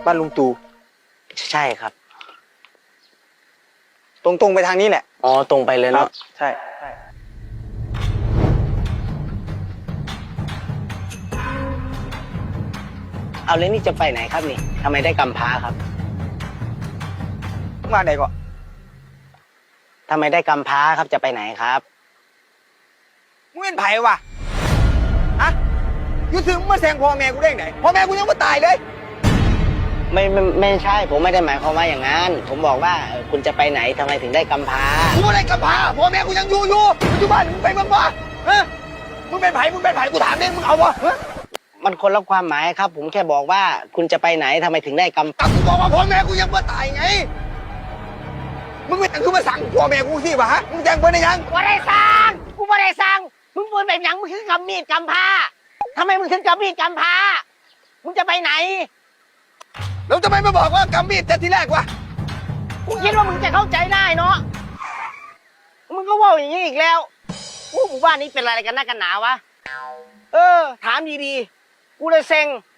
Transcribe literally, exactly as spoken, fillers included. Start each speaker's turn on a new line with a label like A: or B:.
A: บ้านลุงตู่
B: ใช่ครับ
A: ตรงๆไปทางนี้แหละ
B: อ๋อตรงไปเลยเนาะ
A: ใช่
B: เอาแล้วนี่จะไปไหนครับนี่ทำไมได้กำพร้าครับ
A: มาไหนก็
B: ทำไมได้กำพร้าครับจะไปไหนครับ
A: มึงเป็นไผ่วะฮะยูถึงมาแซงพ่อแม่กูได้ไหนพ่อแม่กูยังไม่ตายเลย
B: ไม่ไม่ไม่ใช่ผมไม่ได้หมายความว่าอย่างนั้นผมบอกว่าเออคุณจะไปไหนทำไมถึงได้กำพร้า
A: กูไม่ได้กำพร้าพ่อแม่กูยังอยู่อยู่ปัจจุบันมึงไปเมืองวะฮะมึงเป็นไผ่มึงเป็นไผ่กูถามเองมึงเอาวะ
B: มันคนละความหมายครับผมแค่บอกว่าคุณจะไปไหนทำไมถึงได้กำ
A: แต่กูบอกว่าพ่อแม่กูยังไม่ตายไงมึงไม่แต่งคือมาสั่งพ่อแม่กูสิวะฮะมึงแจ้งเพื่อนได้ยัง
B: กูไม่ได้สั่งกูไม่ได้สั่งมึงปืนแบบหยังมึงถึงกำมีดกำพร้าทำไมมึงถึงกำมีดกำพร้ามึงจะไปไหน
A: แล้วทำไมไม่บอกว่ากำมีดแต่ทีแรกวะ
B: กูคิดว่ามึงจะเข้าใจได้เนาะมึงก็ว่าอย่างนี้อีกแล้วอู้หมู่บ้านนี้เป็นอะไรกันนักกันหนาวะเออถามดีๆกูเลยเซ็ง